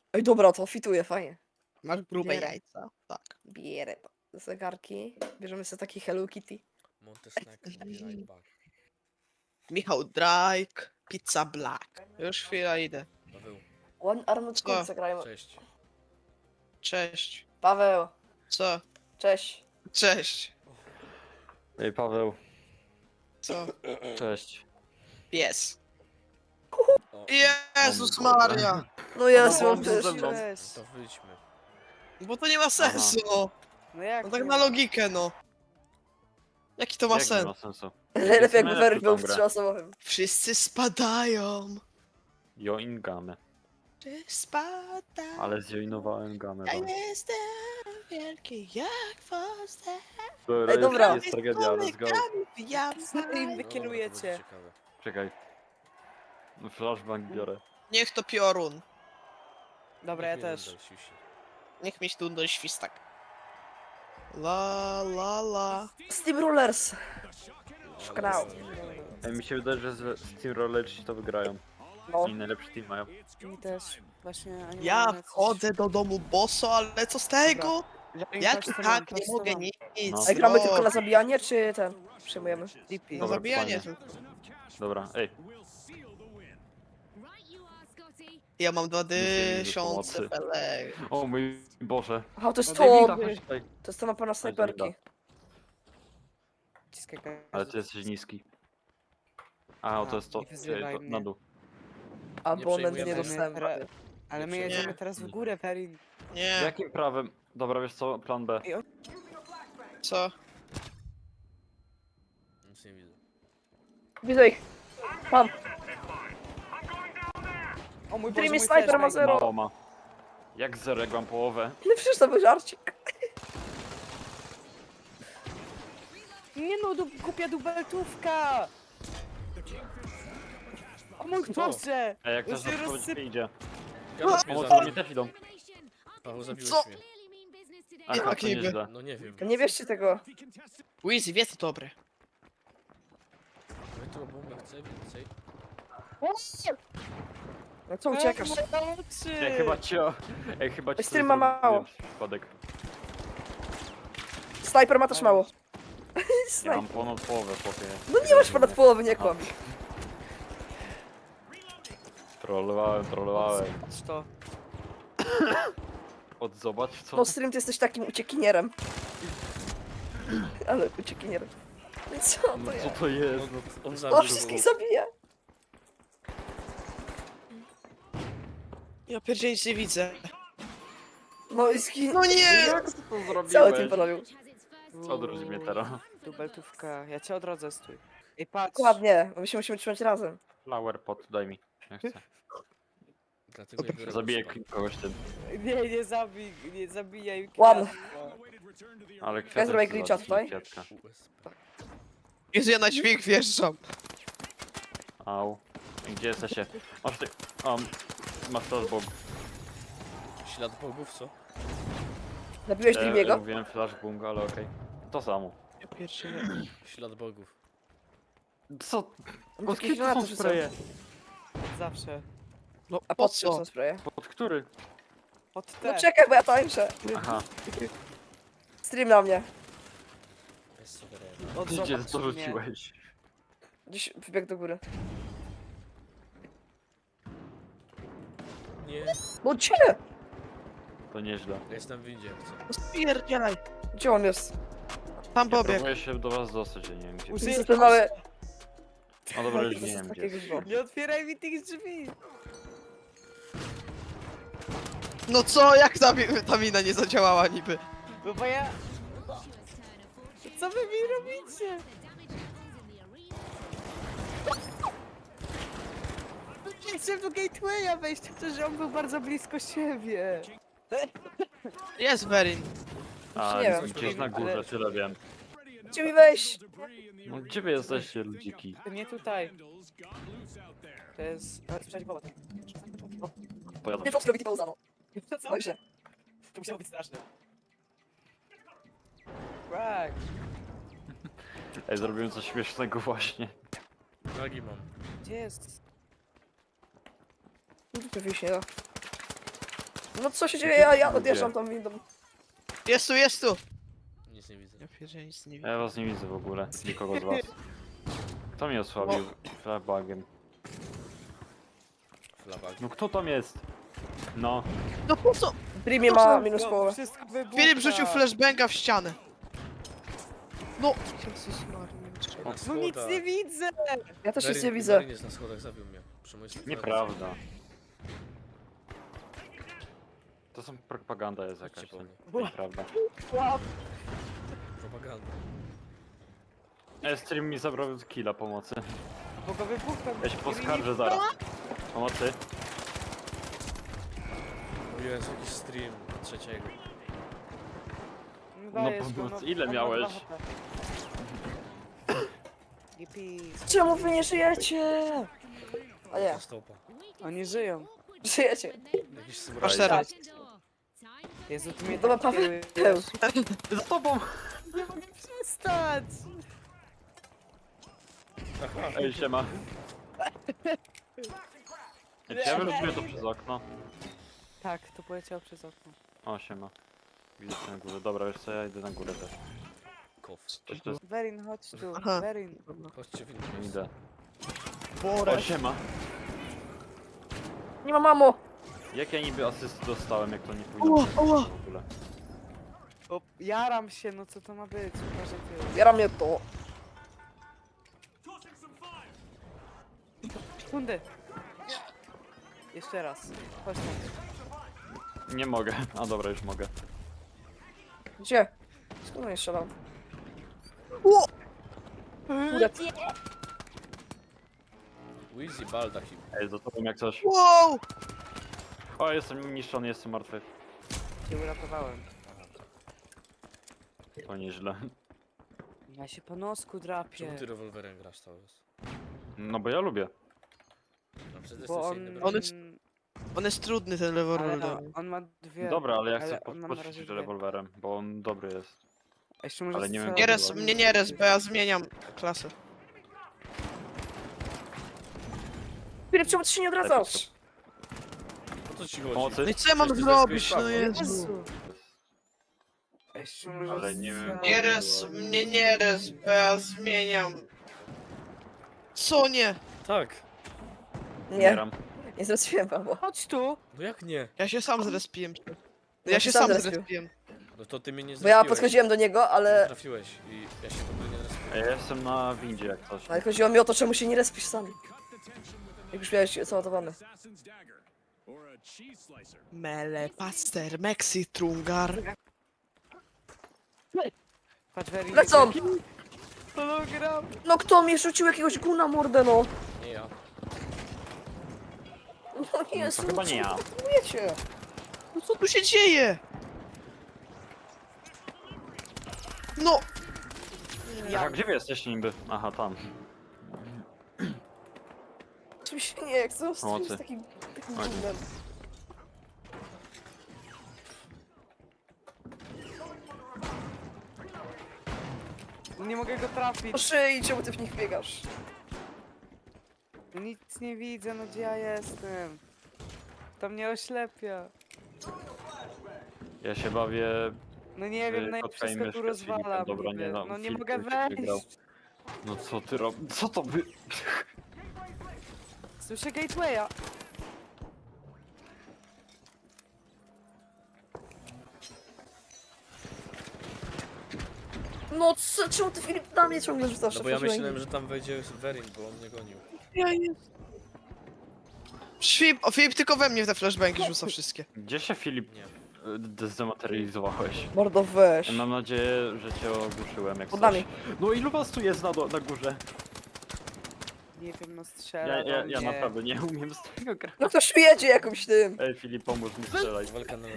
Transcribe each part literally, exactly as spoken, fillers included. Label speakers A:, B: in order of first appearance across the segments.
A: Ej, dobra, to fituje, fajnie.
B: Masz grube
A: Bierę.
B: jajca. Tak.
A: Bierę zegarki. Bierzemy sobie taki Hello Kitty.
C: Monty Snack, be right back.
B: Michał Drake, Pizza Black. Już chwila idę.
C: Paweł,
A: One Armored
B: Co?
A: Core zagrajmy.
C: cześć.
B: Cześć.
A: Paweł,
B: Co?
A: cześć.
B: Cześć.
D: Ej, Paweł,
B: Co?
D: cześć.
B: Pies.
C: O,
B: Jezus
D: O mój Boże.
B: Maria.
A: No jest,
D: no,
A: mam
D: no,
A: też.
D: ze mną.
C: no to wyjdźmy.
B: Bo to nie ma sensu, no.
E: No jak?
B: No tak
E: nie
B: na
E: ma?
B: logikę, no. Jaki to ma
D: Jak nie
B: sens?
D: ma sensu?
A: Lepiej jakby
D: najlepszy
A: Werk był
D: tą
A: w
D: grę.
A: trzyosobowym.
B: Wszyscy spadają.
D: Join gamę.
B: Wszyscy spadają.
D: Ale zjoinowałem gamę.
B: Ja
D: wam.
B: jestem wielki jak Foster.
D: Dobra,
A: Ej, dobra.
D: Jest, jest tragedia, let's go.
B: Ja
E: Co wy im
C: No,
E: wykierujecie?
C: to będzie ciekawe.
D: Czekaj. Flashbang biorę.
B: Niech to piorun.
E: Dobra, ja
C: Niech mnie
E: też.
C: Wendel siusi.
B: Niech mi tu do świstak. La la la.
A: Steamrollers. Szkrał.
D: Ej, mi się wydaje, że z Steamrollerci to wygrają.
A: No.
D: I najlepszy team mają.
E: Mi też. Właśnie. oni
B: Ja
E: mają jacyś-
B: wchodzę do domu bosso, ale co z tego?
E: Ja im
B: Jak
E: patrzę,
B: tak
E: mam,
B: nie
E: patrzę,
B: mogę
E: mam.
B: nic.
D: No.
A: Ej, gramy
B: no.
A: tylko na zabijanie, czy ten? Przyjmujemy.
E: D P.
B: No
D: Dobra,
B: zabijanie.
D: fajnie. Dobra, ej.
B: Ja mam dwa
D: Nic nie widzę
B: tysiące
D: pomocy.
B: pelek.
D: O mój Boże.
A: Aha, to jest
D: No,
A: to!
D: Davida, chodź tutaj.
A: To jest to mapa na snajperki.
E: Ciskaj gaz.
D: Ale ty jesteś niski. A, o, to jest to.
E: nie wyzywaj
D: Ej, to
E: mnie.
D: na dół.
A: Abonent nie
C: przejmujemy.
A: dostałem.
E: Re- Ale my
C: Nie.
E: jedziemy teraz w górę, Ferin.
B: Nie,
D: Jakim prawem? Dobra, wiesz co? Plan B.
B: co?
C: Nic nie widzę.
A: Widzę ich. Mam.
E: O mój Boże,
A: Dreamy
E: mój
A: Sniper ma
E: flashbang.
A: zero.
D: Mało ma. Jak zero, jak mam połowę.
A: No przecież to był żarcik.
E: Nie no, du głupia dubeltówka! O mój Boże!
D: Ej, jak
E: Już
D: też
E: się
D: na
E: rozsyp...
D: idzie.
C: Gadasz mnie
D: Pomoc do mnie
C: zabił.
D: też idą.
C: Paweł, zabiłeś
B: Co?
C: mnie.
D: Aha,
B: tak
D: to
B: niby.
D: nieźle.
C: No nie wiem.
A: Nie wierzcie tego.
B: Wizzy, wie to dobre.
C: My tu bombę chcę więcej.
A: No co uciekasz?
D: Ej, chyba cię... Ej, chyba cię...
A: Stream
D: coś
A: ma
D: zrobiłem
A: mało.
D: przez Przypadek.
A: Snajper ma też mało.
D: Ja
A: Snajper.
D: mam ponad połowę, chłopie.
A: No nie masz ponad połowy, nie kłam.
D: Trollowałem, trollowałem.
E: Patrz to.
D: Od zobacz co?
A: No stream, ty jesteś takim uciekinierem. Ale uciekinierem. No co to
D: No co
A: jest?
D: to jest?
C: On, on
A: O,
C: zabił.
A: wszystkich zabija.
B: Ja pierdzielę nic nie widzę.
A: No i skin...
B: No nie!
D: Jak ty to zrobiłeś?
A: Cały team porobił.
D: Odróż mnie teraz.
E: Dubeltówka. Ja cię odrodzę, stój. Ej, patrz.
A: Dokładnie, my się musimy trzymać razem.
D: Flower pot, daj mi. Ja chcę.
C: Dlatego nie biorę
D: Zabiję
C: uspa.
D: kogoś tym.
E: Nie, nie zabij, nie zabijaj
A: Ładno.
E: kwiatka.
D: Ale
A: zrobię
D: kwiatek chcę
A: glitcha
D: zabić,
A: tutaj?
D: kwiatka.
C: U S P.
B: Jezu, ja na dźwig wjeżdżam.
D: Au. Gdzie jesteście? Masz ty... Um, masz flashbomb.
C: Ślad bogów, co?
A: Zabiłeś
D: E,
A: Dreamiego?
D: mówiłem flashbomb, ale okej. To samo.
B: Ja pierdzielę.
C: Ślad bogów.
D: Co?
A: On
D: Pod
A: jakieś
D: kim to
A: granaty
D: są
A: rzucał.
D: spreje?
E: Zawsze.
B: No
A: A
B: po
A: pod czym
B: co?
A: są spreje?
D: Pod który?
E: Pod
A: No
E: te.
A: czekaj, bo ja tańczę.
D: Aha.
A: Stream na mnie.
C: Jest super.
E: Od
D: Gdzie
E: zobacz
D: to
E: mnie.
D: rzuciłeś?
A: Gdzieś wybiegł do góry.
C: Nie,
A: No gdzie?
D: To nieźle.
C: ja jestem w windzie. Chcę.
B: No spierdzielaj.
A: Gdzie on jest?
B: Tam
D: Ja
B: pobieg.
D: próbuję się do was dostać, ja nie wiem gdzie.
E: Użyję-
A: Jest ten mały...
D: No dobra, już
A: To
D: nie
A: jest
D: wiem gdzie.
A: takie
D: jest.
A: gówno.
E: Nie otwieraj mi tych drzwi!
B: No co, jak ta, mi- ta mina nie zadziałała niby?
E: No bo ja... Co wy mi robicie? Nie chcę do gatewaya wejść, to że on był bardzo blisko siebie.
B: Jest Berin.
D: A,
A: nie
D: nie
A: wiem.
D: gdzieś na górze,
E: Ale-
D: tyle wiem.
A: Gdzie mi wejść?
D: No gdzie wy jesteście, ludziki?
E: To nie tutaj. To jest... A, sprzedać wołać.
D: Pojadę.
A: Nie to zrobić pauzano.
E: Co?
A: Oj się.
E: To musiało być straszne. Tak.
D: Ej, zrobiłem coś śmiesznego właśnie.
C: Nagi mam.
E: Gdzie jest?
A: No to się nie da. No co się dzieje? Ja, ja odjeżdżam tą windą.
B: Jest tu, jest tu!
C: Nic nie widzę.
B: Ja pierdzielę, nic nie widzę.
D: Ja was nie widzę w ogóle, nikogo z was. Kto mnie osłabił flabagiem?
C: Flabag.
D: No kto tam jest? No,
B: No po co?
A: Dreamie ma minus połowę.
E: Wszystko wybucha.
B: Filip rzucił flashbanga w ścianę. No! Jezus Maria.
E: No nic nie widzę!
A: Ja też nic
C: Verin-
A: nie widzę.
C: Verin jest na schodach, zabił mnie. Przy mojej stronie.
D: nieprawda. To są propaganda jest
C: Chodźcie
D: jakaś,
C: po
D: to
C: mnie.
D: nieprawda.
C: Propaganda.
D: E, stream mi zabrał killa pomocy.
E: Bo go wybucha.
D: Ja się poskarżę zaraz. Pomocy.
C: O Jezu, jakiś stream trzeciego.
E: No,
D: No,
E: dajesz
D: po
E: go,
D: prostu
E: no,
D: ile
E: on ma
D: miałeś?
E: dwa H P. Yippee.
A: Czemu wy nie żyjecie? A nie,
C: Stopa.
E: Oni żyją.
A: żyjecie.
C: Jakiś
B: Aż
C: samurai.
B: teraz.
E: Jezu, ty mnie
A: Dobra,
E: tak
A: Paweł.
E: kierujesz.
D: Za tobą!
E: Nie mogę przestać!
C: Aha.
D: Ej, siema. Ej, czy ja wyrzuciłem to przez okno?
E: Tak, to poleciało przez okno.
D: O, siema. Widzę cię na górze. Dobra, wiesz co, ja idę na górę też.
C: Kows.
D: Coś to jest...
E: Verin, chodź tu.
B: Aha.
E: Verin.
C: Chodźcie w innym miejscu.
D: Idę.
B: Borę.
D: O, siema.
A: Nie ma mamo.
D: Jak ja niby asysty dostałem, jak to nie powinno
B: Ała,
D: być
B: ała.
D: w ogóle?
E: O, jaram się, no co to ma być? Uważaj ty.
A: Biera mnie to.
E: Sekundy. Jeszcze raz. Chodź tam.
D: Nie mogę. A dobra, już mogę.
A: Gdzie? Skąd on jeszcze dam?
B: O!
A: Kurde.
C: Wheezy Baldachim.
D: Ej, za tobą jak coś.
B: Wow!
D: O, jestem niszczony, jestem martwy.
E: Cię uratowałem.
D: To nieźle.
E: Ja się po nosku drapię.
C: Czemu ty rewolwerem grasz cały czas?
D: No bo ja lubię.
C: No przecież
E: Bo
C: jesteś
E: on...
C: inny
B: On jest- On jest trudny, ten
E: Ale
B: rewolwer.
E: no, on ma dwie.
D: Dobra, ale ja
E: ale
D: chcę
E: on ma na razie
D: podpościć
E: dwie.
D: rewolwerem, bo on dobry jest.
E: A jeszcze może
D: ale nie wiem,
E: strzelać
B: Nie
D: jak
B: res,
E: do-
B: mnie nie res, bo ja zmieniam klasę.
A: Filip, czemu ty się nie odradzasz?
C: O co ci chodzi?
D: Pomocy?
B: No i co ja mam
C: Przecież ty
B: zrobić,
C: zyskujesz
B: no
C: prawo.
B: Jezu.
E: Jezu. A jeszcze może
D: Ale nie wiem.
E: strzelać.
B: Nie res, mnie nie res, bo ja zmieniam. Co nie?
C: Tak.
A: Nie,
D: Umieram.
A: nie zrespiłem mamo.
E: Chodź tu.
C: No jak nie?
B: Ja się sam zrespiłem.
A: No
B: Ja
A: ty
B: się
A: sam
B: sam
A: zrespił.
B: zrespiłem.
C: No to ty mnie nie
A: Bo ja
C: zrespiłeś.
A: podchodziłem do niego,
C: Nie
A: ale...
C: trafiłeś i ja się w ogóle nie zrespiłem.
D: Ej, ja jestem na windzie jak coś.
A: Ale chodziło mi o to, czemu się nie respisz sam. Jak już miałeś załadowany.
B: Mele, paster, Mexi, Trungar.
E: Patrz, Verin.
A: Lecą!
E: Hologram.
A: No kto mi rzucił jakiegoś guna mordę, no?
C: Nie ja.
A: No Jezu,
D: to chyba nie ja.
A: Wiecie.
B: No co tu się dzieje? No!
D: Ja. Gdzie wy jesteście niby? Aha, tam.
A: Czym się nie chcę, z
D: Pomocy.
A: takim, takim
D: Chodź.
A: gunem.
E: Nie mogę go trafić.
A: Po szyi, czemu ty w nich biegasz?
E: Nic nie widzę, no gdzie ja jestem? To mnie oślepia.
D: Ja się bawię...
E: No nie wiem, no i
D: kotka i
E: wszystko tu
D: myszkę z
E: rozwalam
D: Filipem. Dobra,
E: niby.
D: nie no.
E: No nie
D: Filip
E: mogę
D: już się wygrał.
E: wejść.
D: No co ty robisz? Co to wy...
E: Słyszę gatewaya.
A: No co, czemu ty Filip na mnie ciągle rzucasz?
C: No bo ja
A: Otworzyłem
C: myślałem,
A: im.
C: że tam wejdzie Verin, bo on mnie gonił.
B: Ja jest. Filip, o Filip tylko we mnie te flashbangi rzuca wszystkie.
D: Gdzie się Filip
C: Nie.
D: y, zdematerializowałeś?
A: Mordo, weź.
D: Mam nadzieję, że cię ogłuszyłem jak
A: Pod
D: coś.
A: nami.
D: No ilu was tu jest na, do- na górze?
E: Nie wiem, no strzela
D: Ja,
E: do
D: ja, ja
E: mnie.
D: naprawdę nie umiem z tego grać.
A: No ktoś tu jedzie jakimś tym.
D: Ej Filip, pomóż mi strzelać.
C: Walka na...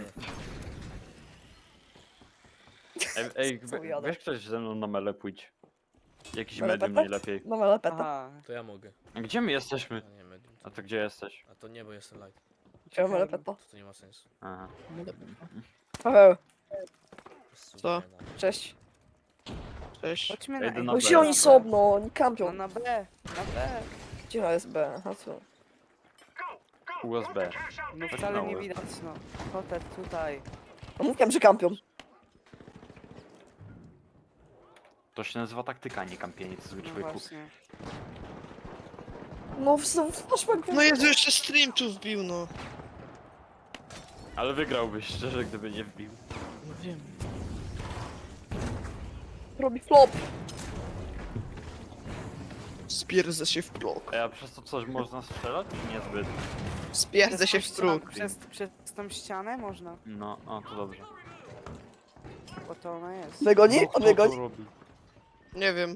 D: Ej, ej
A: Co
D: we,
A: jadę?
D: weź ktoś ze mną na mele pójdź. Jakiś
A: Mele
D: medium
A: pepet?
D: najlepiej.
A: No ale peta.
E: Aha.
C: To ja mogę.
D: A gdzie my jesteśmy?
C: A nie, medium.
D: A to gdzie jesteś?
C: A to nie, bo jestem light.
A: Chciałem ale peta.
C: To, to nie ma sensu.
D: Aha.
A: Paweł,
B: Co?
A: cześć.
B: Cześć.
E: Chodźmy
D: Ja
E: na
D: idę na
A: No
D: B.
A: gdzie oni są, no? Oni
E: No
A: kampią.
E: na B, na B.
A: Gdzie jest B? Aha, co?
D: U S B.
E: No
D: Chodź
E: wcale
D: na
E: nie
D: łeb.
E: widać, no. Kotet tutaj.
A: No mówiłem, że kampią.
D: To się nazywa taktyka, nie kampienie, to zwykły
E: No
D: człowieku.
E: właśnie.
A: No znowu flashback.
B: No Jezu, jeszcze stream tu wbił, no.
D: Ale wygrałbyś, szczerze, gdyby nie wbił.
B: No wiem.
A: Robi flop.
B: Spierdzę się w próg.
D: A ja przez to coś można strzelać? Czy niezbyt?
B: Spierdzę się w
E: tą
B: próg.
E: ścianę- Przez, przez tą ścianę można,
D: No, o, to dobrze.
E: bo to ona jest.
A: Wygoni?
D: No,
A: On
D: kto to
A: wygoni?
D: robi?
B: Nie wiem.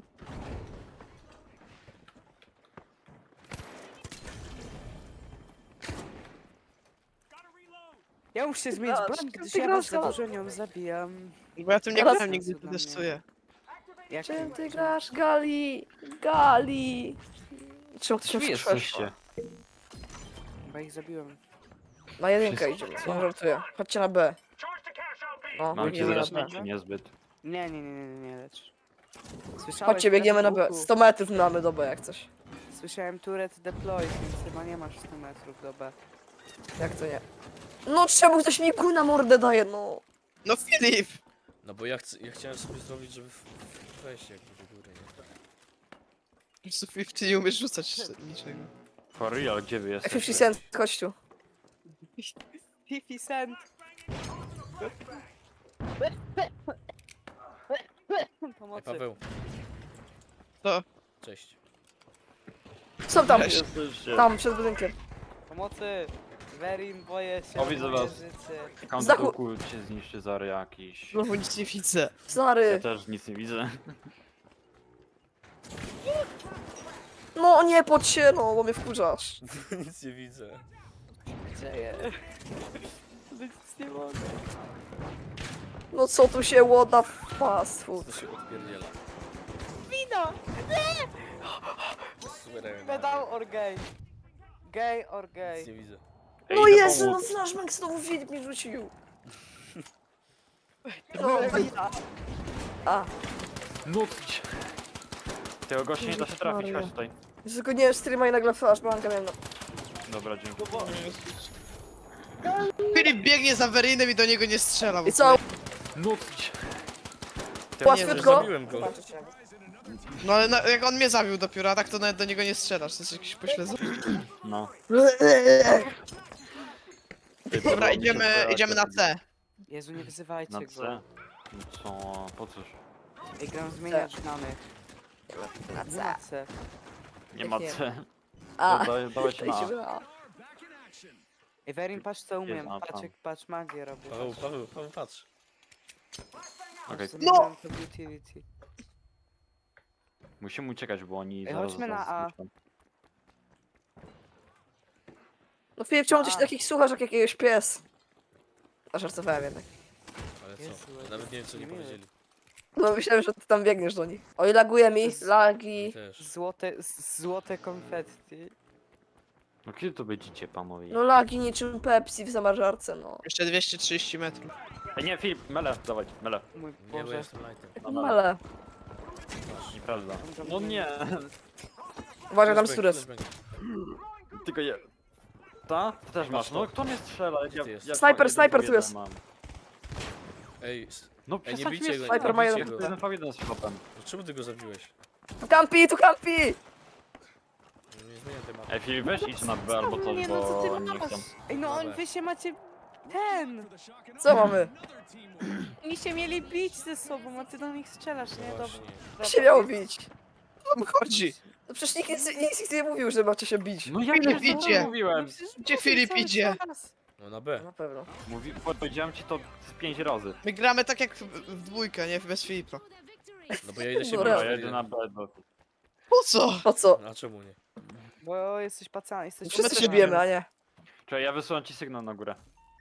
E: Ja muszę zmienić
A: grasz?
E: broń,
A: Kim
E: gdyż
A: ty
E: ja
A: grasz,
E: was za
A: Gala?
E: dużo nią zabijam.
B: Bo ja tym nie
A: Teraz-
B: grałem, nigdy to testuję.
E: Jak
A: Czym ty grasz, Gali? Gali. Czemu ty się
D: Gdzie
A: przyszłeś?
D: jesteście?
E: Bo ich zabiłem.
A: Na jedynkę
D: Wszyscy-
A: idziemy, nie żartuję. Chodźcie na B. No,
D: Mam cię
A: biegniemy na
D: zaraz,
A: B.
D: czy niezbyt?
E: Nie, nie, nie, nie, nie, nie lecz. Słyszałeś
A: Chodźcie, biegniemy na B.
E: turet
A: sto metrów mamy do B jak coś.
E: Słyszałem turret deploy, więc chyba nie masz stu metrów do B.
A: Jak to nie? No czemu ktoś mi kół na mordę daje, no.
B: No Filip!
C: No bo ja, chcę, ja chciałem sobie zrobić, żeby w- w- wejść jakby do góry, nie?
B: Po prostu Filip, ty nie umiesz rzucać niczego.
D: For real, gdzie wy jesteście?
A: pięćdziesiąt cent, chodź tu.
E: fifty cent!
C: Ej,
E: Pomocy.
C: Paweł,
B: To.
C: cześć.
A: Są tam,
B: Weź.
D: Jesteście.
A: tam, przed budynkiem.
E: Pomocy! Verin, boję się
D: O,
E: o
D: widzę
E: moje
D: was.
E: życie.
D: Tam
A: Z
D: do
A: dachu-
D: tyłku cię zniszczy zary jakiś.
B: Znowu nic nie widzę.
D: Ja
A: Stary.
D: też nic nie widzę.
A: No nie podź się, no, bo mnie wkurzasz.
C: Nic nie widzę.
E: Dzieje. Nic nie mogę.
A: No co tu się łoda fast food.
C: To się odpierdziela.
E: Wino!
C: Suwerennie.
E: Pedał or gay? Gay or
C: Nic
E: gay?
C: nie widzę.
D: Ej,
A: No
D: idę
A: Jezu, no
D: pomóc.
A: flashbang znowu Filip mi rzucił.
E: No,
A: No,
E: wina.
A: a,
D: Nucić! Tego gościa nie da się trafić,
A: Maria.
D: chodź tutaj.
A: tylko nie streama i nagle flashbanga miałem, no.
D: Dobra, dzięki.
B: Filip biegnie za Verinem i do niego nie strzela.
A: I co?
D: Nucić!
A: Łatwiutko?
C: zabiłem go.
B: No ale na, jak on mnie zabił dopiero, a tak to nawet do niego nie strzelasz. To jest jakiś pośledzony.
D: No.
B: Dobra, idziemy, idziemy na C.
E: Jezu, nie wyzywajcie
D: Na
E: go.
D: C? No co? Po cóż?
E: Ej, gram zmieniać znanych.
A: Na
E: Nie
A: C.
E: ma C.
D: Nie ma
A: Nie.
D: C.
A: A,
D: Dawaj- Dawajcie na A.
A: idziemy A.
E: Ej, Verin, patrz co umiem.
D: Jest, a,
E: Patrz,
D: tam.
E: jak, patrz magię robię.
C: Paweł, Paweł, Paweł, patrz.
D: Okej.
E: No! To utility.
D: Musimy uciekać, bo oni
E: Ej,
D: zaraz
E: chodźmy
D: nas
E: na A.
D: zniszczą.
A: No Filip, czemu ty się
E: A.
A: takich słuchasz jak jakiegoś pies? A żartowałem jednak.
C: Ale co?
E: Jezu,
C: Ja nawet nie wiem co nie
E: miły.
C: powiedzieli.
A: No myślałem, że ty tam biegniesz do nich. Oj, laguje mi,
E: Z-
C: Mi
A: lagi.
C: też.
E: Złote, z- złote konfetti.
D: No kiedy to będziecie, panowie?
A: No lagi niczym Pepsi w zamrażarce, no.
B: Jeszcze dwieście trzydzieści metrów.
D: Ej, nie, Filip, mele, dawaj, mele.
E: Mój
C: Nie, bo
E: Boże.
C: jestem lightem.
D: Dobra.
A: Ale,
D: Nieprawda.
E: tam
D: No
E: nie-
D: nie.
A: uważaj tam
C: Flashbang,
A: stres.
C: flashbang.
D: Tylko je... Ta? Ty też masz. No kto mnie strzela?
C: Gdzie ty jesteś?
A: Snajper,
D: jeden
A: snajper
D: w
A: tu
D: jeden
A: jest.
D: mam.
C: Ej, s-
D: No
C: Ej, nie
D: przestań
C: bijcie
D: mnie
C: go,
A: Snajper
C: nie
A: ma
C: bijcie
A: jeden.
C: go.
D: jeden v jeden z chłopem.
C: No czemu ty go zabiłeś?
A: Tu kampi, tu kampi!
C: No nie zmieniam tematu.
D: Ej, Filip, weź idź na B albo coś,
E: Nie, no co ty
D: bo nie
E: masz?
D: chcę.
E: Ej, no on,
C: Dobra.
E: wy się macie... Ten!
A: Co mamy?
E: Oni się mieli bić ze sobą, a ty do nich strzelasz, nie?
C: No
E: Dobra.
C: właśnie.
E: dobra.
A: się miało bić?
B: Co tam chodzi?
A: No przecież nikt nic, nic, nic nie mówił, że macie się bić.
D: No ja
B: Filip
D: nie
B: idzie.
D: mówiłem.
E: No przecież
B: Gdzie
E: mówię
B: Filip
E: cały
B: idzie?
E: czas.
C: No na B.
A: Na pewno.
D: Mówi... Powiedziałem ci to z pięć razy.
B: My gramy tak jak w, w dwójkę, nie? Bez Filipa.
C: No bo ja idę się
A: Dobra.
D: Ja
C: bić.
D: jedę na B. Do...
B: Po co?
A: Po co?
C: No a czemu nie?
E: Bo jesteś pacany, jesteś
A: Wszyscy się
E: pacany.
A: bijemy, a nie.
D: Czekaj, ja wysyłam ci sygnał na górę.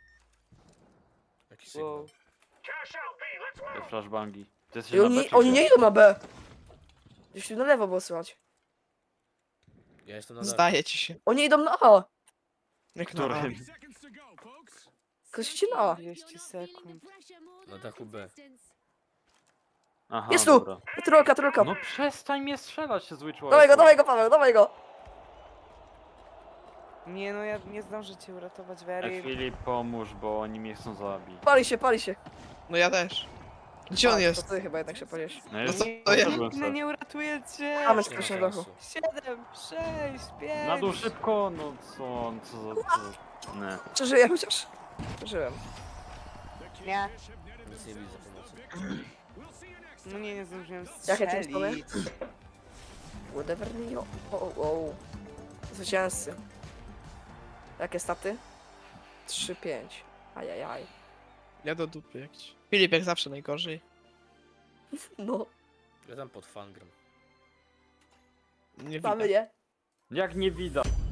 C: Jaki sygnał?
E: Wow.
D: Te flashbangi. Ty jesteś
A: I
D: na B,
A: oni,
D: czy
A: oni
D: gdzie?
A: nie idą na B. Gdzieś tu na lewo było słychać.
C: Ja jestem na D.
B: Zdaje ci się.
A: Oni idą na A.
B: Jak na A.
D: Którym?
A: Ktoś idzie na A.
E: dwieście sekund.
C: Na dachu B.
D: Aha,
A: Jest tu!
D: dobra.
A: Trolka, trolka.
D: No przestań mnie strzelać, zły człowiek.
A: Dawaj go, dawaj go, Paweł, dawaj go.
E: Nie no, ja nie zdążę cię uratować,
D: E,
E: Very.
D: Filip, pomóż, bo oni mnie chcą zabić.
A: Pali się, pali się.
B: No ja też. Gdzie
A: A,
B: on
A: To
B: jest?
A: ty chyba jednak się podziesz.
D: No
B: No
D: już
B: co
E: Nie,
B: to ja?
D: poszedłem
E: no
D: sobie.
E: nie uratuję cię!
A: Mamy
C: Nie ma
A: coś na dachu.
C: sensu.
E: Siedem, sześć, pięć.
D: Na dół szybko, no co, co za... Co za... Nie.
A: Czy żyję chociaż? Żyłem.
E: Nie,
C: Nic nie widzę pomocy.
E: no nie, nie zdążyłem
A: Jakie ty strony?
E: strzelić.
A: Whatever me. O, o, o. Zwycięzcy. Jakie staty? trzy pięć. Ajajaj.
B: Ja do dupy jakiś. Filip jak zawsze najgorzej.
A: No,
C: Ja tam pod fangram.
B: Nie
A: mamy
B: widać.
A: je.
D: Jak nie widać?